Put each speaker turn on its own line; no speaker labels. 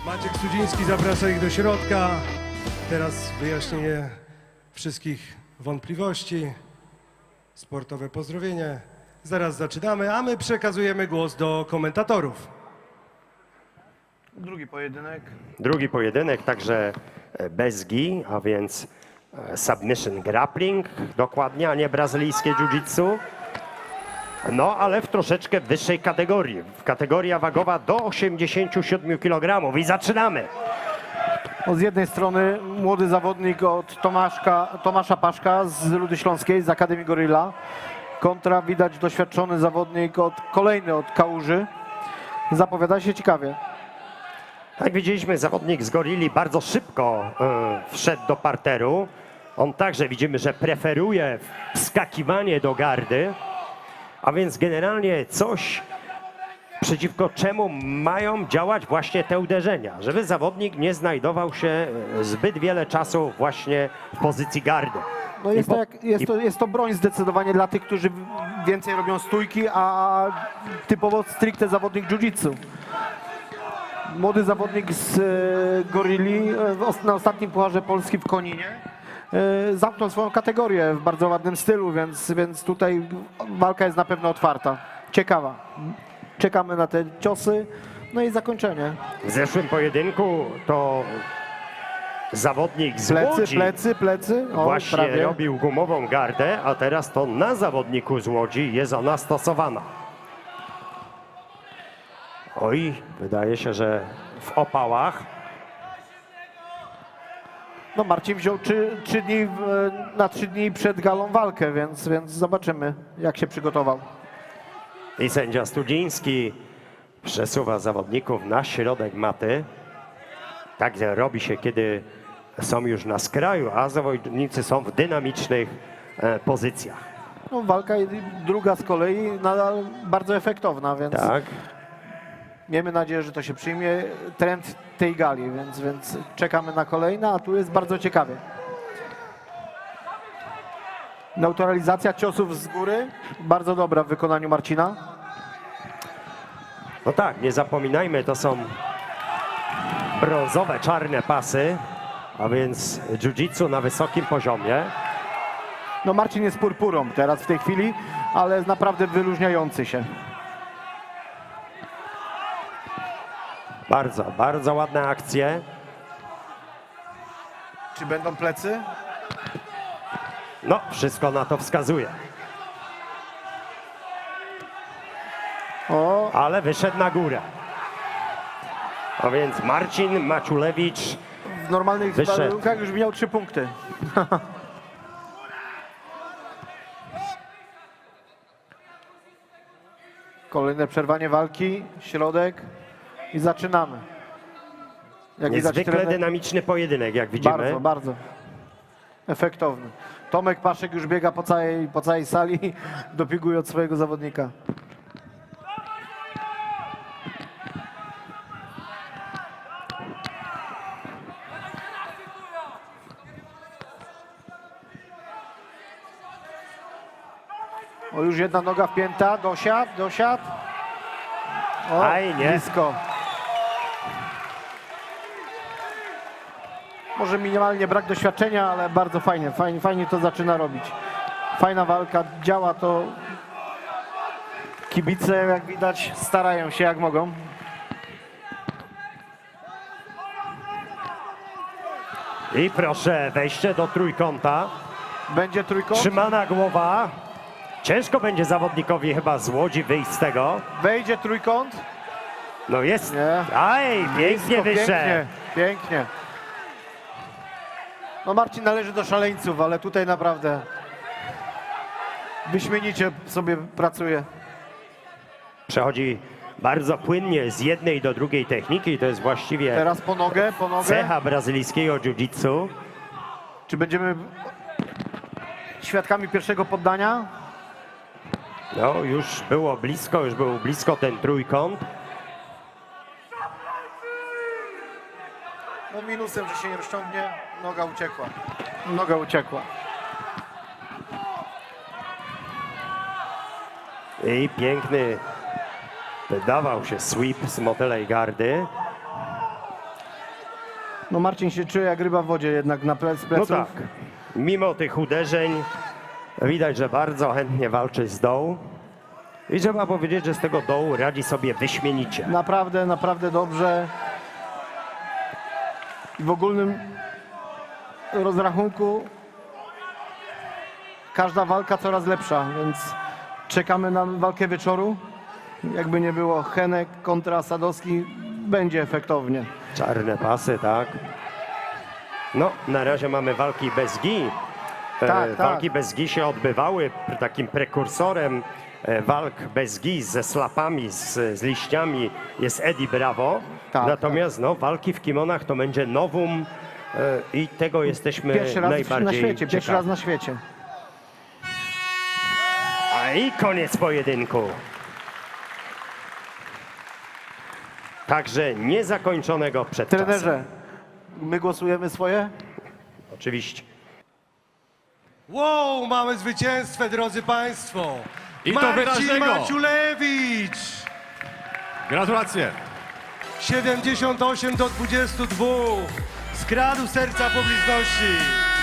Maciek Sudziński zaprasza ich do środka. Teraz wyjaśnienie wszystkich wątpliwości, sportowe pozdrowienie. Zaraz zaczynamy, a my przekazujemy głos do komentatorów.
Drugi pojedynek, także bez gi, a więc submission grappling dokładnie, a nie brazylijskie jiu-jitsu. No, ale w troszeczkę wyższej kategorii. Kategoria wagowa do 87 kg. I zaczynamy.
Z jednej strony młody zawodnik od Tomasza Paszka z Rudy Śląskiej, z Akademii Gorilla. Kontra widać doświadczony zawodnik kolejny od Kałuży. Zapowiada się ciekawie.
Jak widzieliśmy, zawodnik z Gorilli bardzo szybko wszedł do parteru. On także widzimy, że preferuje wskakiwanie do gardy. A więc generalnie coś, przeciwko czemu mają działać właśnie te uderzenia. Żeby zawodnik nie znajdował się zbyt wiele czasu właśnie w pozycji gardy.
No jest to broń zdecydowanie dla tych, którzy więcej robią stójki, a typowo stricte zawodnik jiu-jitsu. Młody zawodnik z Gorilli na ostatnim Pucharze Polski w Koninie zamknął swoją kategorię w bardzo ładnym stylu, więc tutaj walka jest na pewno otwarta. Ciekawa. Czekamy na te ciosy, no i zakończenie.
W zeszłym pojedynku to zawodnik z Łodzi
Plecy. O,
właśnie
prawie.
robił gumową gardę, a teraz to na zawodniku z Łodzi jest ona stosowana. Oj, wydaje się, że w opałach.
No Marcin wziął 3 dni na 3 dni przed galą walkę, więc zobaczymy, jak się przygotował.
I sędzia Studziński przesuwa zawodników na środek maty. Tak robi się, kiedy są już na skraju, a zawodnicy są w dynamicznych pozycjach.
No, walka druga z kolei nadal bardzo efektowna, więc
Tak.
miejmy nadzieję, że to się przyjmie trend tej gali, więc czekamy na kolejne, a tu jest bardzo ciekawie. Neutralizacja ciosów z góry, bardzo dobra w wykonaniu Marcina.
No tak, nie zapominajmy, to są brązowe, czarne pasy, a więc jiu-jitsu na wysokim poziomie.
No Marcin jest purpurą teraz w tej chwili, ale jest naprawdę wyróżniający się.
Bardzo, bardzo ładne akcje.
Czy będą plecy?
No, wszystko na to wskazuje.
O,
Ale wyszedł na górę. A więc Marcin Maciulewicz.
w normalnych
Wyszedł.
warunkach już miał 3 punkty. Kolejne przerwanie walki, środek i zaczynamy. Jak
Niezwykle
trener-
dynamiczny pojedynek, jak widzimy.
bardzo efektowny. Tomek Paszek już biega po całej sali, dopinguje od swojego zawodnika. O, już jedna noga wpięta, dosiad. O,
Aj, nie.
blisko. Może minimalnie brak doświadczenia, ale bardzo fajnie to zaczyna robić. Fajna walka, działa to. Kibice, jak widać, starają się jak mogą.
I proszę, wejście do trójkąta.
Będzie trójkąt,
Trzymana głowa. Ciężko będzie zawodnikowi chyba z Łodzi wyjść z tego.
wejdzie trójkąt.
No jest.
Nie.
Aj, pięknie wyszedł.
Pięknie. No Marcin należy do szaleńców, ale tutaj naprawdę wyśmienicie sobie pracuje.
Przechodzi bardzo płynnie z jednej do drugiej techniki i to jest właściwie
Teraz po nogę.
cecha brazylijskiego jiu-jitsu.
Czy będziemy świadkami pierwszego poddania?
No już był blisko ten trójkąt.
No minusem, że się nie rozciągnie, noga uciekła.
I piękny wydawał się sweep z motylej gardy.
No Marcin się czuje jak ryba w wodzie jednak na pleców.
No tak, mimo tych uderzeń widać, że bardzo chętnie walczy z dołu. I trzeba powiedzieć, że z tego dołu radzi sobie wyśmienicie.
Naprawdę, naprawdę dobrze. W ogólnym rozrachunku każda walka coraz lepsza, więc czekamy na walkę wieczoru. Jakby nie było, Henek kontra Sadowski będzie efektownie.
Czarne pasy, tak. No, na razie mamy walki bez gi.
Tak.
Walki bez gi się odbywały. Takim prekursorem walk bez gi ze slapami, z liściami jest Eddie Bravo.
Tak,
Natomiast no, walki w kimonach to będzie novum i tego jesteśmy
Pierwszy raz
najbardziej
na świecie, pierwszy
ciekawi.
raz na świecie.
A i koniec pojedynku. Także niezakończonego przed czasem.
Trenerze, my głosujemy swoje?
Oczywiście.
Wow, mamy zwycięstwo, drodzy Państwo!
I to
Marcin
wyraźnego.
Maciulewicz!
Gratulacje.
78 do 22. Skradł serca publiczności.